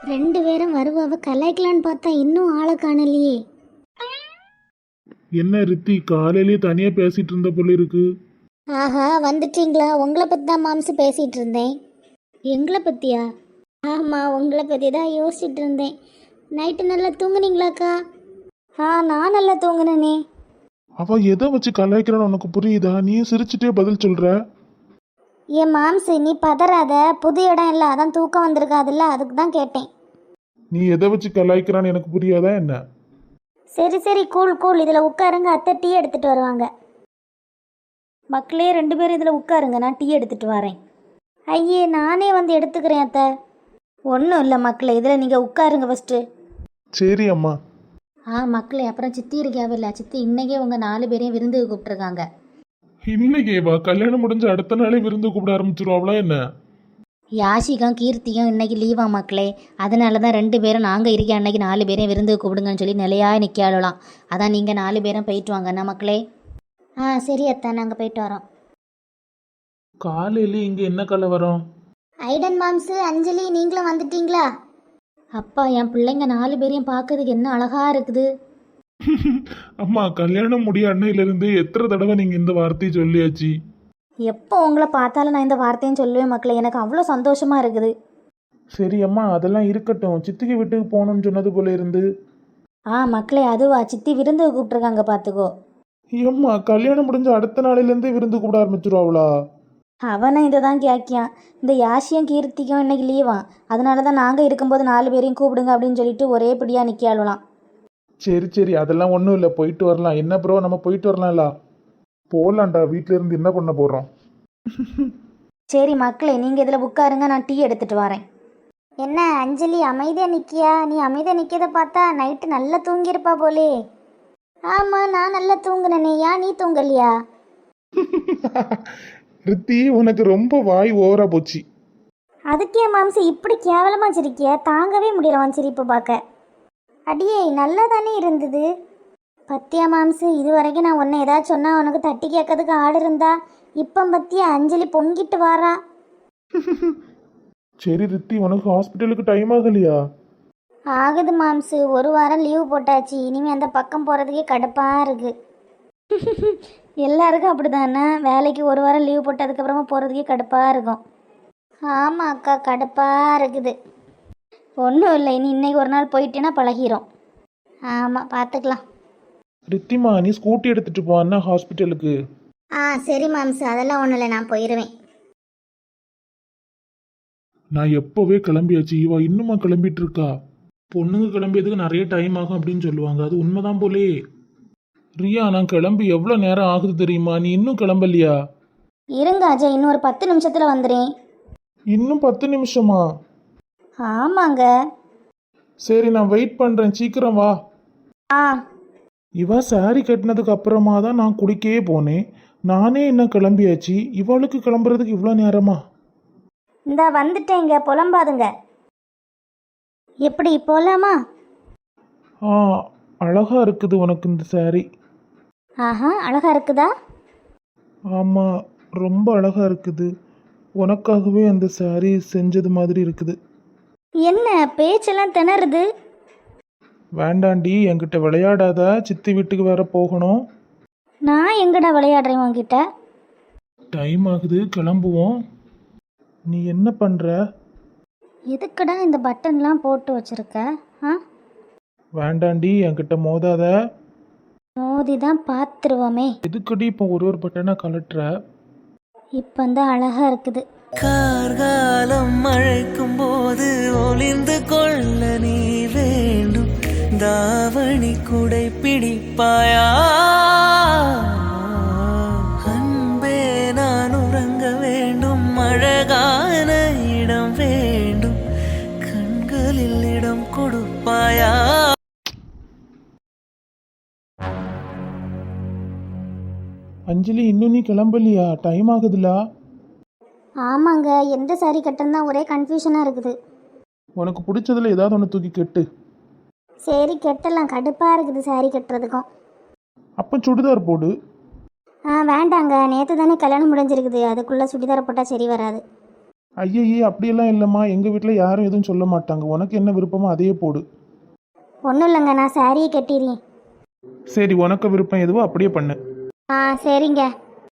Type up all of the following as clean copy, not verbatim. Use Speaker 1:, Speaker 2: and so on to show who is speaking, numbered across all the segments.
Speaker 1: ரெண்டு பேரும் வருவாவ கலாய்க்கலான்னு பார்த்தா இன்னும் ஆளை காணலையே.
Speaker 2: என்ன ரித்தி காலையிலேயே தனியா பேசிட்டு இருந்த போல இருக்கு.
Speaker 1: ஆஹா, வந்துட்டீங்களா? உங்களை பற்றி தான் மாம்சு பேசிகிட்டு இருந்தேன். எங்களை பற்றியா? ஆமாம், உங்களை பற்றி தான் யோசிச்சுட்டு இருந்தேன். நைட்டு நல்லா தூங்குனீங்களாக்கா? நான் நல்லா தூங்குனேனே.
Speaker 2: அவ எதை வச்சு கலாய்க்கிறான்னு உனக்கு புரியுதா? நீ சிரிச்சுட்டே பதில் சொல்ற.
Speaker 1: ஏன் மாம்சு, நீ பதறாத. புது இடம் இல்லை, அதான் தூக்கம் வந்திருக்காதுல்ல, அதுக்கு தான் கேட்டேன்.
Speaker 2: நீ எதை வச்சு கலாய்க்கிறான்னு எனக்கு புரியாதா என்ன?
Speaker 1: சரி சரி, கூல் கூல். இதில் உட்காருங்க, அத்தை டீ எடுத்துகிட்டு வருவாங்க. மக்களே, ரெண்டு பேரும் இதில் உட்காருங்க, நான் டீ எடுத்துகிட்டு வரேன். ஐயே, நானே வந்து எடுத்துக்கிறேன் அத்தை. ஒன்றும் இல்லை மக்களே, இதில் நீங்கள் உட்காருங்க ஃபஸ்ட்டு.
Speaker 2: சரி அம்மா.
Speaker 1: மக்களே, அப்புறம் சித்தி இருக்காவே இல்லை, சித்தி இன்னைக்கே உங்கள் 4 பேரையும் விருந்துக்கு கூப்பிட்ருக்காங்க.
Speaker 2: இன்னைக்கே வா, கல்யாணம் முடிஞ்ச அடுத்த நாளே விருந்து கூப்பிட ஆரம்பிச்சிருவாங்களா என்ன?
Speaker 1: யாஷிகம் கீர்த்தியும் இன்னைக்கு லீவா மக்களே, அதனால தான் 2 பேரும் நாங்கள் இருக்க அன்னைக்கு 4 பேரையும் விருந்துக்கு கூப்பிடுங்கன்னு சொல்லி நிலையாக நிற்காளலாம். அதான் நீங்கள் 4 பேரும் போயிட்டு வாங்கண்ணா மக்களே. சரி அத்தா, நாங்கள் போயிட்டு வரோம்.
Speaker 2: காலையில இங்க என்ன கலவரம்?
Speaker 1: ஐடன் மாம்சு, அஞ்சலி, நீங்களும் வந்துட்டீங்களா? அப்பா, என் பிள்ளைங்க 4 பேரையும் பார்க்கறதுக்கு என்ன அழகா இருக்குது.
Speaker 2: அம்மா, கல்யாணம் முடிய அன்னையில இருந்து எத்தனை தடவை நீங்க இந்த வார்த்தையை சொல்லியாச்சு?
Speaker 1: எப்போ உங்களை பார்த்தாலும் நான் இந்த வார்த்தையும் சொல்லுவேன் மக்களே, எனக்கு அவ்வளோ சந்தோஷமா இருக்குது.
Speaker 2: சரி அம்மா, அதெல்லாம் இருக்கட்டும். சித்திக்கு வீட்டுக்கு போகணும்னு சொன்னது போல இருந்து.
Speaker 1: மக்களே, அதுவா? சித்தி விருந்துக்கு கூப்பிட்ருக்காங்க பார்த்துக்கோ.
Speaker 2: ஏம்மா, கல்யாணம் முடிஞ்ச அடுத்த நாளிலேருந்தே விருந்து கூப்பிட ஆரம்பிச்சிருவாங்களா?
Speaker 1: அவனை இதை தான் கேட்கியான். இந்த யாஷியும் கீர்த்திக்கும் இன்னைக்கு லீவான், அதனால தான் நாங்கள் இருக்கும்போது 4 பேரையும் கூப்பிடுங்க அப்படின்னு சொல்லிட்டு ஒரே பிடியாக நிற்காளலாம்.
Speaker 2: சரி சரி, அதெல்லாம் ஒன்றும் இல்லை, போயிட்டு வரலாம். என்ன ப்ரோ, நம்ம போயிட்டு வரலாம்ல? போகலான்டா, வீட்டில இருந்து என்ன பண்ண போகிறோம்?
Speaker 1: சரி மக்களே, நீங்கள் இதில் உட்காருங்க, நான் டீ எடுத்துகிட்டு வரேன். என்ன அஞ்சலி அமைதியாக நிற்கியா? நீ அமைதியாக நிற்கிறத பார்த்தா நைட்டு நல்லா தூங்கியிருப்பா போலே. ஆமாம், நான் நல்லா தூங்குனேனே, ஏன் நீ தூங்கலையா?
Speaker 2: ரித்தி, உனக்கு ரொம்ப வாய் ஓவரா போச்சு.
Speaker 1: அதுக்கே மாம்சு இப்படி கேவலமாக சிரிக்கிய? தாங்கவே முடியல உன் சிரிப்பு பார்க்க. அடியே, நல்லா தானே இருந்தது. பத்தியா மாம்சு, இது வரைக்கும் நான் உன்னை ஏதாச்சும் சொன்னால் உனக்கு தட்டி கேட்கறதுக்கு ஆடு இருந்தா, இப்போ பத்தியா அஞ்சலி பொங்கிட்டு வாரா.
Speaker 2: சரி ரித்தி, உனக்கு ஹாஸ்பிட்டலுக்கு டைம் ஆகலையா?
Speaker 1: ஆகுது மாம்சு, 1 வாரம் லீவு போட்டாச்சு. இனிமேல் அந்த பக்கம் போகிறதுக்கே கடுப்பாக இருக்கு. எல்லாருக்கும் அப்படி தானே, வேலைக்கு 1 வாரம் லீவு போட்டதுக்கப்புறமா போகிறதுக்கே கடுப்பாக இருக்கும். ஆமாம் அக்கா, கடுப்பாக இருக்குது. ஒன்றும் இல்லை, இனி இன்னைக்கு ஒரு நாள் போயிட்டேன்னா பழகிரும். ஆமாம், பார்த்துக்கலாம்.
Speaker 2: ரித்திமா, நீ ஸ்கூட்டி எடுத்துட்டு போ அண்ணா ஹாஸ்பிட்டலுக்கு.
Speaker 1: சரி மாம்சு, அதெல்லாம் ஒன்றும் இல்லை, நான் போயிடுவேன்.
Speaker 2: நான் எப்போவே கிளம்பியாச்சு, இவா இன்னுமா கிளம்பிட்டு இருக்கா? பொண்ணுங்க கிளம்பியதுக்கு நிறைய டைம் ஆகும் அப்படின்னு சொல்லுவாங்க, அது உண்மைதான் போலே. ரியா, நான் கிளம்பி எவ்வளோ நேரம் ஆகுது தெரியுமா? நீ இன்னும் கிளம்பலையா?
Speaker 1: இருங்க அஜய், இன்னும் ஒரு 10 நிமிஷத்தில் வந்துடுறேன்.
Speaker 2: இன்னும் 10 நிமிஷமா?
Speaker 1: ஆமாங்க.
Speaker 2: சரி, நான் வெயிட் பண்ணுறேன், சீக்கிரம் வா. இவ சாரி கட்டினதுக்கு அப்புறமா தான் நான் குடிக்கவே போனேன். நானே இன்னும் கிளம்பியாச்சு, இவளுக்கு கிளம்புறதுக்கு இவ்வளோ நேரமா?
Speaker 1: இந்த வந்துட்டேங்க, புலம்பாதுங்க. எப்படி போகலாமா?
Speaker 2: அழகா இருக்குது உனக்கு இந்த சாரி.
Speaker 1: அழகா இருக்குதா?
Speaker 2: ஆமாம், ரொம்ப அழகா இருக்குது. உனக்காகவே அந்த சாரி செஞ்சது மாதிரி இருக்குது.
Speaker 1: என்ன பேச்செல்லாம் திணறுது?
Speaker 2: வேண்டாண்டி, என்கிட்ட விளையாடாத. சித்தி வீட்டுக்கு வேற போகணும்.
Speaker 1: நான் எங்கடா விளையாடுறேன் உன்கிட்ட?
Speaker 2: டைம் ஆகுது, கிளம்புவோம். நீ என்ன பண்ற?
Speaker 1: எதுக்குடா இந்த பட்டன்லாம் போட்டு வச்சிருக்க?
Speaker 2: வேண்டாண்டி, என்கிட்ட மோதாத.
Speaker 1: மோதி தான் பார்த்துருவோமே.
Speaker 2: எதுக்குடி இப்போ ஒரு பட்டனை கலட்டுற?
Speaker 1: இப்போ தான் அழகா இருக்குது.
Speaker 3: கார்காலம் மழைக்கும் போது ஒளிந்து கொள்ள நீ வேண்டும். தாவணி குடை பிடிப்பாயா? அன்பே, நான் உறங்க வேண்டும். அழகான இடம் வேண்டும். கண்களில் இடம் கொடுப்பாயா?
Speaker 2: அஞ்சலி, இன்னும் நீ கிளம்பலையா? டைம் ஆகுதுல.
Speaker 1: ஆமாங்க, எந்த சாரி கட்டணும் தான் ஒரே கன்ஃபியூஷனாக இருக்குது.
Speaker 2: உனக்கு பிடிச்சதுல ஏதாவது ஒன்று தூக்கி கெட்டு.
Speaker 1: சரி கெட்டலாம், கடுப்பாக இருக்குது சாரி கட்டுறதுக்கும்.
Speaker 2: அப்போ சுடிதார் போடு.
Speaker 1: வேண்டாங்க, நேற்று தானே கல்யாணம் முடிஞ்சிருக்குது, அதுக்குள்ளே சுடிதார் போட்டால் சரி வராது.
Speaker 2: ஐயையே அப்படியெல்லாம் இல்லைம்மா, எங்கள் வீட்டில் யாரும் எதுவும் சொல்ல மாட்டாங்க. உனக்கு என்ன விருப்பமோ அதையே போடு.
Speaker 1: ஒன்றும் இல்லைங்க, நான் சாரியை கட்டிடுறேன்.
Speaker 2: சரி, உனக்கு விருப்பம் எதுவோ அப்படியே பண்ணு.
Speaker 1: ஆ சரிங்க.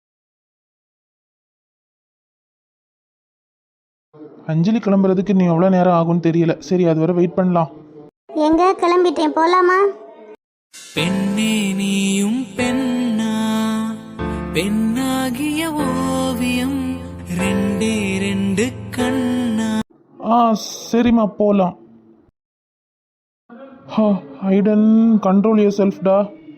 Speaker 2: அஞ்சலி கிளம்புறதுக்கு நீ எவ்வளோ நேரம் ஆகும்னு தெரியல. சரி, அது வரை வெயிட் பண்ணலாம்.
Speaker 1: எங்க கிளம்பிட்டேன், போலாமா?
Speaker 3: பெண்ணே நீயும் பெண்ணா, பெண்ணாகிய ஓவியம் ரெண்டே ரெண்டு கண்ணா.
Speaker 2: சரிம்மா போகலாம். ஐடன், கண்ட்ரோல் யுவர் செல்ஃப்டா.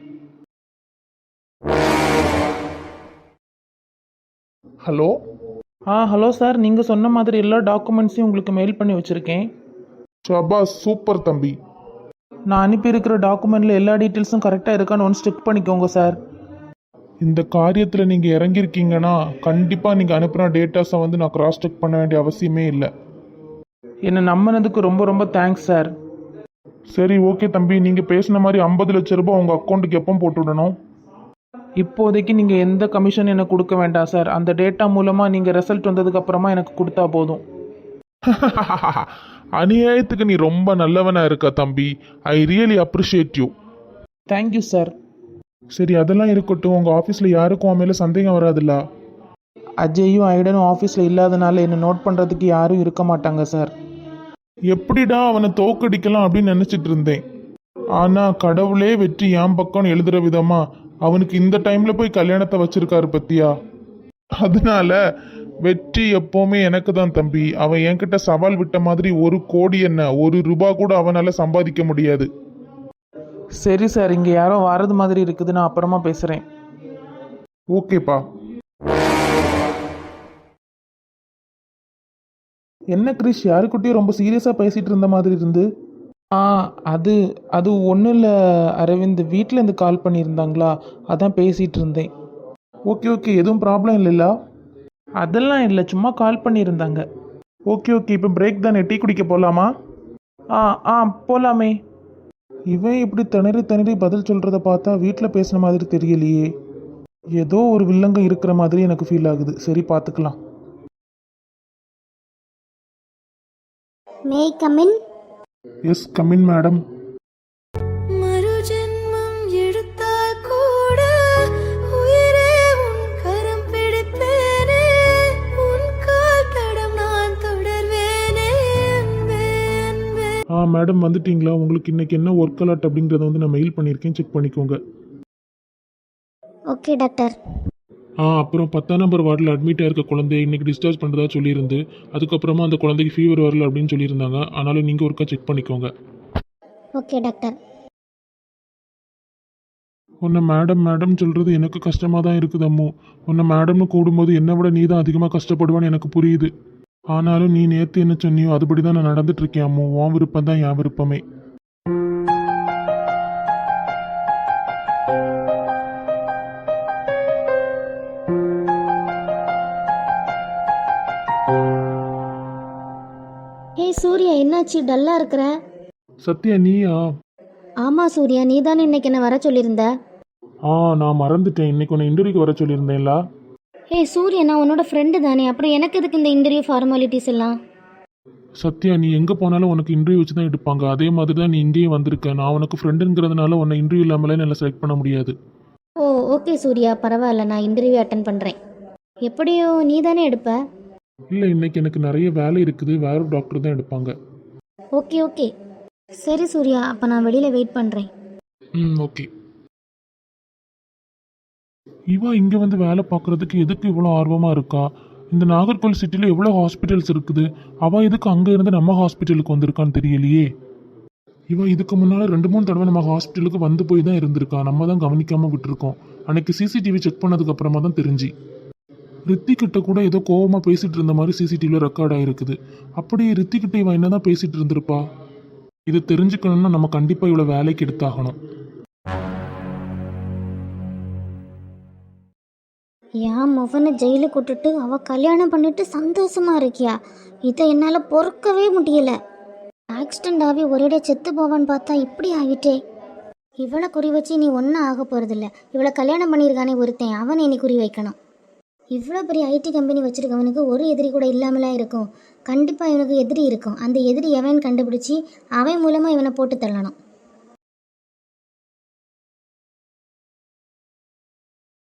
Speaker 2: ஹலோ. ஹலோ சார், நீங்கள் சொன்ன மாதிரி எல்லா டாக்குமெண்ட்ஸையும் உங்களுக்கு மெயில் பண்ணி வச்சுருக்கேன். ஷபாஸ், சூப்பர் தம்பி. நான் அனுப்பியிருக்கிற டாக்குமெண்ட்டில் எல்லா டீட்டெயில்ஸும் கரெக்டாக இருக்கான்னு ஒன்று செக் பண்ணிக்கோங்க சார். இந்த காரியத்தில் நீங்கள் இறங்கியிருக்கீங்கன்னா கண்டிப்பாக நீங்கள் அனுப்புகிற டேட்டாஸை வந்து நான் கிராஸ் செக் பண்ண வேண்டிய அவசியமே இல்லை. என்னை நம்பினதுக்கு ரொம்ப ரொம்ப தேங்க்ஸ் சார். சரி, ஓகே தம்பி, நீங்கள் பேசின மாதிரி 50 லட்ச ரூபாய் உங்கள் அக்கௌண்ட்டுக்கு எப்போ போட்டு விடணும்? இப்போதைக்கு நீங்கள் எந்த கமிஷன் எனக்கு கொடுக்க வேண்டாம் சார். அந்த டேட்டா மூலமாக நீங்கள் ரிசல்ட் வந்ததுக்கப்புறமா எனக்கு கொடுத்தா போதும். அநியாயத்துக்கு நீ ரொம்ப நல்லவனா இருக்க தம்பி. I really appreciate you. Thank you sir. சரி, அதெல்லாம் இருக்கட்டும். உங்கள் ஆஃபீஸில் யாருக்கும் அவன் மேலே சந்தேகம் வராதுல்ல? அஜயும் ஐடனும் ஆஃபீஸில் இல்லாதனால என்னை நோட் பண்ணுறதுக்கு யாரும் இருக்க மாட்டாங்க சார். எப்படிடா அவனை தோக்கடிக்கலாம் அப்படின்னு நினச்சிட்டு இருந்தேன். ஆனால் கடவுளே வெற்றி என் பக்கம்னு எழுதுகிற விதமா அவனுக்கு இந்த டைமில் போய் கல்யாணத்தை வச்சிருக்காரு பத்தியா. அதனால வெற்றி எப்போவுமே எனக்கு தான் தம்பி. அவன் என்கிட்ட சவால் விட்ட மாதிரி 1 கோடி என்ன 1 ரூபா கூட அவனால் சம்பாதிக்க முடியாது. சரி சார், இங்கே யாரோ வரது மாதிரி இருக்குது, நான் அப்புறமா பேசுகிறேன். ஓகேப்பா. என்ன கிரிஷ், யாருக்கிட்டையும் ரொம்ப சீரியஸாக பேசிகிட்டு இருந்த மாதிரி இருந்து? அது அது ஒன்றும் இல்லை அரவிந்த், வீட்டிலேருந்து கால் பண்ணியிருந்தாங்களா, அதான் பேசிகிட்டு இருந்தேன். ஓகே ஓகே, எதுவும் ப்ராப்ளம் இல்லைல்ல? அதெல்லாம் இல்லை, சும்மா கால் பண்ணியிருந்தாங்க. ஓகே ஓகே, இப்போ பிரேக் தானே, டீ குடிக்க போகலாமா? போகலாமே. இவன் இப்படி திணறி திணறி பதில் சொல்கிறத பார்த்தா வீட்டில் பேசின மாதிரி தெரியலையே. ஏதோ ஒரு வில்லங்கம் இருக்கிற மாதிரி எனக்கு ஃபீல் ஆகுது. சரி, பார்த்துக்கலாம்.
Speaker 1: May come in?
Speaker 2: Yes, come in madam.
Speaker 3: மறுஜென்மம் எடுத்தால் கூட உயிரே உன் கரம் பிடிப்பேனே, உன் கால் தடம் நான் தொடர்வேனே அன்பே அன்பே.
Speaker 2: மேடம் வந்துட்டீங்களா? உங்களுக்கு இன்னைக்கு என்ன ஒர்க் அலாட் அப்படிங்கிறத வந்து நான் மெயில் பண்ணியிருக்கேன், செக் பண்ணிக்கோங்க.
Speaker 1: Okay doctor.
Speaker 2: அப்புறம் 10ஆம் நம்பர் வார்டில் அட்மிட் ஆயிருக்க குழந்தைய இன்னைக்கு டிஸ்சார்ஜ் பண்ணுறதா சொல்லியிருந்து, அதுக்கப்புறமா அந்த குழந்தைக்கு ஃபீவர் வரல அப்படின்னு சொல்லியிருந்தாங்க. ஆனாலும் நீங்கள் ஒருக்கா செக் பண்ணிக்கோங்க.
Speaker 1: Okay doctor.
Speaker 2: உன்னை மேடம் மேடம் சொல்கிறது எனக்கு கஷ்டமாக தான் இருக்குது அம்மு. உன்னை மேடம்னு கூடும்போது என்னை விட நீ தான் அதிகமாக கஷ்டப்படுவான்னு எனக்கு புரியுது. ஆனாலும் நீ நேற்று என்ன சொன்னியோ அதுபடி தான் நான் நடந்துட்டு இருக்கேன் அம்மு. உன் விருப்பம் தான் என் விருப்பமே.
Speaker 1: சூர்யா, என்னாச்சு டல்லா இருக்கிற?
Speaker 2: சத்யா, நீயா?
Speaker 1: ஆமா சூர்யா, நீ தானே இன்னைக்கு என்ன வர சொல்லியிருந்த.
Speaker 2: நான் மறந்துட்டேன். இன்னைக்கு உன்னை இன்டர்வியூக்கு வர சொல்லியிருந்தேன்ல.
Speaker 1: சூர்யா, நான் உன்னோட ஃப்ரெண்டு தானே, அப்புறம் எனக்கு எதுக்கு இந்த இன்டர்வியூ ஃபார்மாலிட்டிஸ் எல்லாம்?
Speaker 2: சத்யா, நீ எங்கே போனாலும் உனக்கு இன்டர்வியூ வச்சு தான் எடுப்பாங்க. அதே மாதிரி தான் நீ இங்கேயும் வந்திருக்க. நான் உனக்கு ஃப்ரெண்டுங்கிறதுனால உன்னை இன்டர்வியூ இல்லாமலே நல்லா செலக்ட் பண்ண முடியாது.
Speaker 1: ஓ ஓகே சூர்யா, பரவாயில்ல, நான் இன்டர்வியூ அட்டன் பண்ணுறேன். எப்படியோ நீ தானே எடுப்ப?
Speaker 2: இல்லை, இன்னைக்கு எனக்கு நிறைய வேலை இருக்குது. வேற ஒரு டாக்டர் தான் எடுப்பாங்க.
Speaker 1: ஓகே ஓகே, சரி சூர்யா, அப்போ நான் வெளியில் வெயிட் பண்ணுறேன்.
Speaker 2: ஓகே. இவா இங்கே வந்து வேலை பார்க்குறதுக்கு எதுக்கு இவ்வளோ ஆர்வமாக இருக்கா? இந்த நாகர்கோவில் சிட்டியில் எவ்வளோ ஹாஸ்பிட்டல்ஸ் இருக்குது. அவள் எதுக்கு அங்கே இருந்து நம்ம ஹாஸ்பிட்டலுக்கு வந்திருக்கான்னு தெரியலையே. இவ இதுக்கு முன்னால் 2-3 தடவை நம்ம ஹாஸ்பிட்டலுக்கு வந்து போய் தான் இருந்திருக்கா. நம்ம தான் கவனிக்காமல் விட்டுருக்கோம். அன்னைக்கு சிசிடிவி செக் பண்ணதுக்கு அப்புறமா தான் தெரிஞ்சு. ரித்திக்கிட்ட கூட ஏதோ கோவமாக பேசிகிட்டு இருந்த மாதிரி சிசிடிவியில் ரெக்கார்ட் ஆகிருக்குது. அப்படியே ரித்திக்கிட்ட இவன் என்ன தான் பேசிகிட்டு இருந்திருப்பா? இது தெரிஞ்சுக்கணும்னா நம்ம கண்டிப்பாக இவ்வளோ வேலைக்கு எடுத்தாகணும்.
Speaker 1: என் மகனை ஜெயிலுக்கு விட்டுட்டு அவள் கல்யாணம் பண்ணிட்டு சந்தோஷமா இருக்கியா? இதை என்னால் பொறுக்கவே முடியல. ஆக்சிடென்ட் ஆகி ஒரேடியாக செத்து போவான்னு பார்த்தா இப்படி ஆகிட்டே. இவளை குறி வச்சு நீ ஒன்றும் ஆக போகிறதில்ல. இவளை கல்யாணம் பண்ணியிருக்கானே ஒருத்தன், அவனை நீ குறி வைக்கணும். இவ்வளோ பெரிய ஐடி கம்பெனி வச்சுருக்கவனுக்கு ஒரு எதிரி கூட இல்லாமலாம் இருக்கும். கண்டிப்பாக இவனுக்கு எதிரி இருக்கும். அந்த எதிரி எவன் கண்டுபிடிச்சி அவன் மூலமாக இவனை போட்டு தள்ளணும்.